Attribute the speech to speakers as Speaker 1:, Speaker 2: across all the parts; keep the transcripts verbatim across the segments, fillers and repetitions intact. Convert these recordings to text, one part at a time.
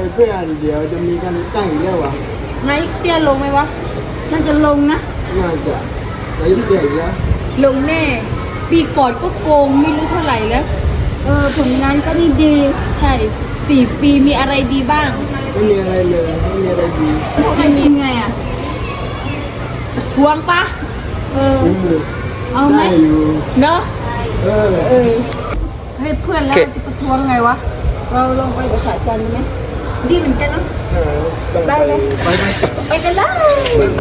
Speaker 1: เพื่อนเดี๋ยวจะมีการตั้งอีกแล้ววะ
Speaker 2: นายเตี้ยลงไหมวะน่าจะลงนะ
Speaker 1: น่าจะนายกเตี้ยอีกแล้ว
Speaker 2: ลงแน่ปีก่อนก็โกงไม่รู้เท่าไหร่แล้วเออผลงานก็นี่ดีใช่สี่ปีมีอะไรดีบ้าง
Speaker 1: ไม่มีอะไรเลยไม่มีอะไรดี
Speaker 2: ไม่มีไงอ่ะทวงปะเออเอาไหมเนาะ
Speaker 1: เออ
Speaker 2: เออให้เพื่อนแล้วจะประท้วงไงวะเราลองไปกับสายการไหมดีเหมือนกันเนาะได้เลยไปไปกันเลย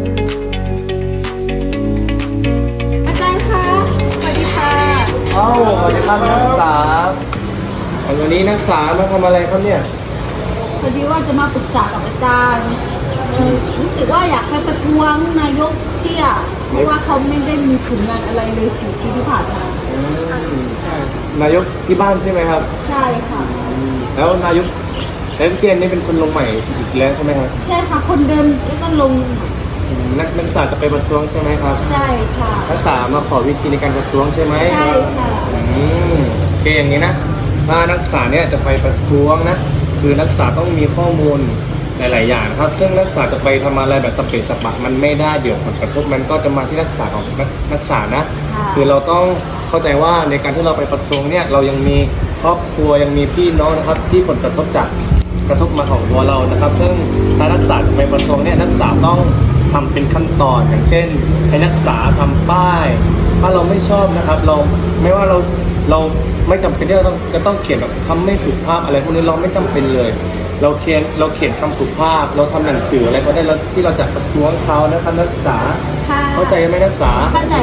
Speaker 2: อาจารย์คะสวัสดีค่ะ
Speaker 3: อ้าวสวัสดีครับนักศึกษาวันนี้นักศึกษามาทำอะไรครับเนี่ย
Speaker 2: พอดีว่าจะมาปรึกษากับอาจารย์รู้สึกว่าอยากไปประท้วงนายกเที่ยเพราะว่าเขาไม่ได้มีผลงานอะไรเลยสี่ปีที่ผ่านมาน
Speaker 3: ายกที่บ้านใช่ไหมครับ
Speaker 2: ใช่ค่ะ
Speaker 3: แล้วนายกแล้วเตียนนี่เป็นคนลงใหม่อีกแล้วใช่ไหมครับ
Speaker 2: ใช่ค่ะคนเดิมก็ลง
Speaker 3: นักนักศึกษาจะไปประท้วงใช่ไหมครับ
Speaker 2: ใช่ค่ะ
Speaker 3: นักศึกษามาขอวิธีในการประท้วงใช่ไหม
Speaker 2: ใช่ค่ะ
Speaker 3: อืมโอเคอย่างนี้นะถ้านักศึกษาเนี่ยจะไปประท้วงนะคือนักศึกษาต้องมีข้อมูลหลายๆอย่างครับซึ่งนักศึกษาจะไปทำอะไรแบบสเปซสปะมันไม่ได้เดี๋ยวผลกระทบมันก็จะมาที่นักศึกษาของนักนักศึกษานะคือเราต้องเข้าใจว่าในการที่เราไปประท้วงเนี่ยเรายังมีครอบครัวยังมีพี่น้องนะครับที่ผลกระทบจากกระทบมาของตัวเรานะครับซึ่งถ้านักศึกษาจะไปประท้วงเนี่ยนักศึกษาต้องทำเป็นขั้นตอนอย่างเช่นให้นักศึกษาทำป้ายถ้าเราไม่ชอบนะครับเราไม่ว่าเราเราไม่จำเป็นที่เราต้องจะต้องเขียนแบบคำไม่สุภาพอะไรพวกนี้เราไม่จำเป็นเลยเราเขียนเราเขียนคำสุภาพเราทำหนังสืออะไรก็ได้แล้วที่เราจะประท้วงเขานะครับนักศึกษาเข้าใจไหมนักศึกษา
Speaker 2: เข้าใจ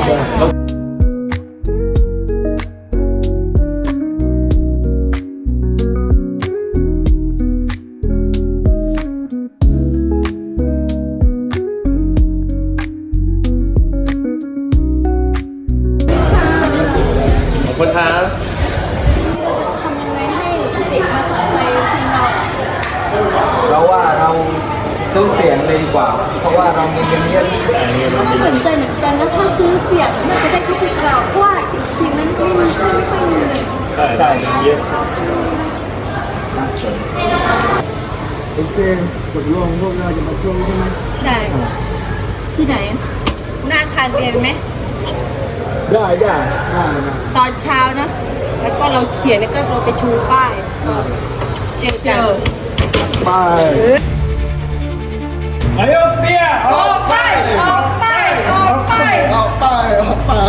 Speaker 3: ขอบคุณครับ
Speaker 4: เราว่าเราซื้อเสียงเลยดีกว่าเพราะว่าเรามีเงินเยอะ
Speaker 2: น่าสนใจเหมือนกันนะถ้าซื้อเสียงน่าจะได้ทุกเราเพราะว่าอีกทีมันไม่มีค่อยไม่ค่อยมีเลย
Speaker 3: ใช่เยอะ
Speaker 1: โอเคตกลงพวกเราจะมาช่วงใช่ไหม
Speaker 2: ใช่ที่ไหนหน้าอาคารเรียนไหม
Speaker 1: ได้ได้ได้
Speaker 2: ตอนเช้านะแล้วก็เราเขียนแล้วก็เราไปชูป้ายเจอกัน
Speaker 1: ไป
Speaker 3: นายกเตี้ย
Speaker 2: ออกไปออกไปออกไป
Speaker 1: ออกไปออกไป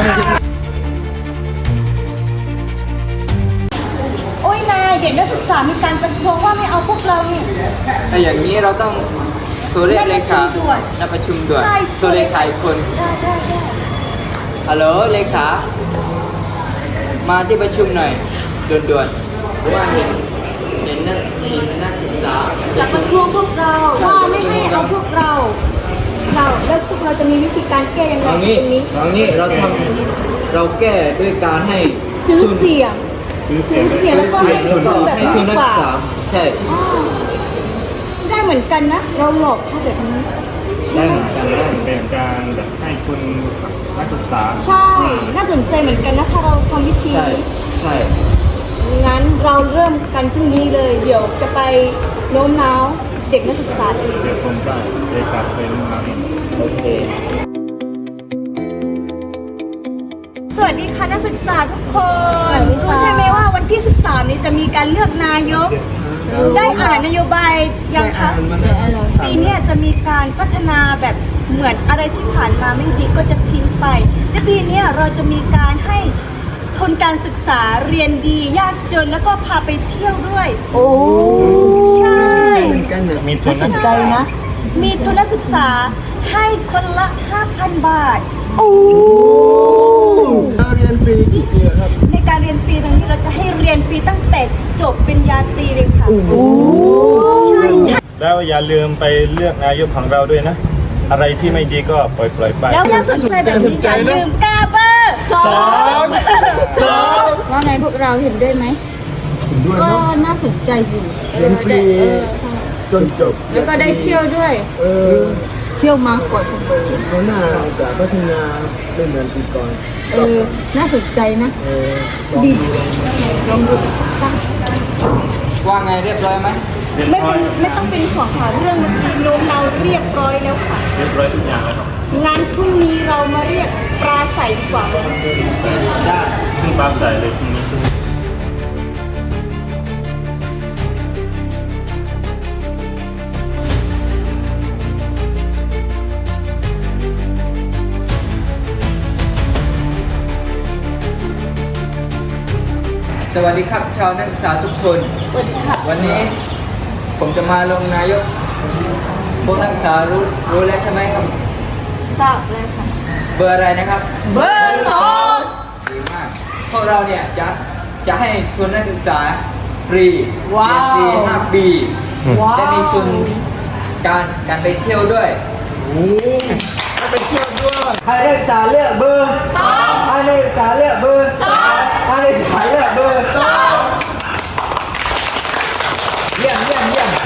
Speaker 2: โอ้ยนายเด็กนักศึกษามีการประท้วงว่าไม่เอาพวกเราเนี่ย
Speaker 4: ถ้าอย่างนี้เราต้องตัวเลขเลขานัดประชุมด่วนตัวเลขาอีกคน
Speaker 2: ได้ได้ได้
Speaker 4: ฮัลโหลเลขามาที่ประชุมหน่อยด่วนๆเพราะว่าเห็นเห็นนักเห็นนักศึกษา
Speaker 2: จะประท้วงพวกเราว่าไม่ให้เอาพวกเราเราแล้วพวกเราจะมีวิธีการแก้ยังไง
Speaker 4: ตรงนี้ตรงนี้เราทำเราแก้ด้วยการให้
Speaker 2: ซื้อเสียงซื้อเสียงแล้วก็ให้ทุนแบบ
Speaker 4: ให้ทุนนักศึกษาใช่
Speaker 2: ได้เหมือนกันนะเราหลอกเขาแบบนี้
Speaker 4: ได้เหมือนกัน
Speaker 3: เป็นการแบบให้ทุนนักศึกษา
Speaker 2: ใช่น่าสนใจเหมือนกันนะถ้าเราทำวิธี
Speaker 4: ใช่ใช่
Speaker 2: งั้นเราเริ่มกันพรุ่งนี้เลยเดี๋ยวจะไปโน้มน้าวเด็กนักศึกษาเอง
Speaker 3: เดี๋ยวผมได้เด็กกลับไปโน้มน้าวเองโอเค
Speaker 2: สวัสดีค่ะนักศึกษาทุกคนรู้ใช่ไหมว่าวันที่สิบสามนี้จะมีการเลือกนายกได้อ่านนโยบายยังคะปีนี้จะมีการพัฒนาแบบเหมือนอะไรที่ผ่านมาไม่ดีก็จะทิ้งไปในปีนี้เราจะมีการให้ทุนการศึกษาเรียนดียากจนแล้วก็พาไปเที่ยวด้วยโอ้ใช่
Speaker 3: มีทุนนักศึกษานะ
Speaker 2: มีทุนนักศึกษาให้คนละ ห้าพัน บาทโอ้
Speaker 1: เรียนฟรีกี่ปีครับ
Speaker 2: ในการเรียนฟรีตรงนี้เราจะให้เรียนฟรีตั้งแต่จบปริญญาตรีเลยค่ะโอ้
Speaker 1: ใช่แล้วอย่าลืมไปเลือกนายกของเราด้วยนะอะไรที่ไม่ดีก็ปล่อยปล่อยไป
Speaker 2: แล้วน่าสนใจแบบนี้อย่าลืมกาเบอร์สองสองว่าไงพวกเราเห็นด้วยไหมก็น่าสนใจอยู่
Speaker 1: เรียนฟรีจนจบ
Speaker 2: แล้วก็ได้เที่ยวด้วยเออเที่ยวมาก่อนสมัย
Speaker 1: เขาหน้าจะพัฒนาไม่เหมือนปีก่อน
Speaker 2: เออน่าสนใจนะ
Speaker 1: เออ
Speaker 2: ดีลองดูสัก
Speaker 4: ว่าไงเรียบร้อยไหม
Speaker 1: เรียบ
Speaker 2: ไม่
Speaker 1: ร้อ
Speaker 2: เป็
Speaker 1: ย
Speaker 2: นไม่ต้องเป็นห่วงค่ะเรื่องเมื่อกี้โน้มเราเรียบร้อยแล้วค่ะ
Speaker 1: เรียบร้อยทุกอย่างแล้วครับ
Speaker 2: งานพรุ่งนี้เรามาเรียกปราศัยดีกว่า
Speaker 4: ได้
Speaker 1: ขึ้นปลาใสเลยพรุ่งนี้
Speaker 4: สวัสดีครับชาวนักศึกษาทุกคน
Speaker 2: สวัสดีค่ะ
Speaker 4: วันนี้ผมจะมาลงนายก พวกนักศึกษารู้รู้แล้วใช่ไหมครับ
Speaker 2: ทราบเลยค่ะ
Speaker 4: เบอร์อะไรนะครับ
Speaker 2: เบอร์สอง
Speaker 4: ดีมาก พวกเราเนี่ยจะจะให้ทุนนักศึกษาฟรี
Speaker 2: ว้าว
Speaker 4: เรียนฟรีห้าปี
Speaker 2: ว้าว
Speaker 4: และมีทุนการการไปเที่ยวด้วยไปเที่ยวด้วยให้นักศึกษาเลือกเบอร์สองให้นักศึกษาเลือกเบอร์สองให้นักศึกษาเลือกเบอร์สองเยี่ยมเยี่ยมเยี่ยม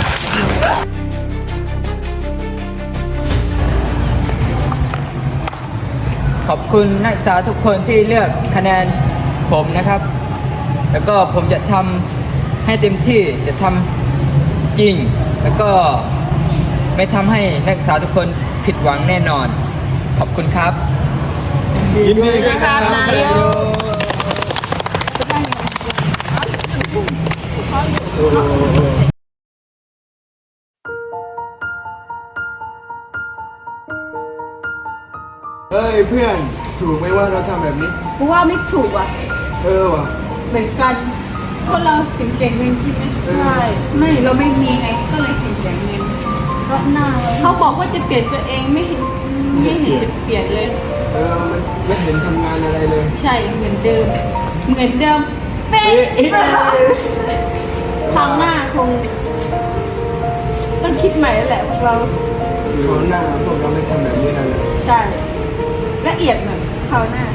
Speaker 4: ขอบคุณนักศึกษาทุกคนที่เลือกคะแนนผมนะครับ แล้วก็ผมจะทำให้เต็มที่จะทำจริง แล้วก็ไม่ทำให้นักศึกษาทุกคนผิดหวังแน่นอน ขอบคุณครับ
Speaker 1: ยินดีด้วยครับนายก
Speaker 5: เฮ้ยเพื่อนถูกไหมว่าเราทำแบบนี้
Speaker 2: กูว่าไม่ถูกอ่ะ
Speaker 5: เออว่ะ
Speaker 2: เหมือนกันพวกเราเก่งเก่งเงินที่ไหม
Speaker 5: เออ
Speaker 2: ใช่ไม่เราไม่มีไงก็เลยเก่งเก่งเงินเพราะหน้าเขาบอกว่าจะเปลี่ยนตัวเองไม่เห็นไม่เห็นจะเปลี่ยนเลย
Speaker 5: เออมันไม่เห็นทำงานอะไรเลย
Speaker 2: ใช่เหมือนเดิม เหมือนเดิมเป๊ะคราวหน้าคง ต้องคิดใหม่แล้วแหละพวกเรา
Speaker 5: เขาวหน้าพวกเราไม่ทำแบบนี้แล้วนะ
Speaker 2: ใช่ละเอียดหน่อยคราวหน้า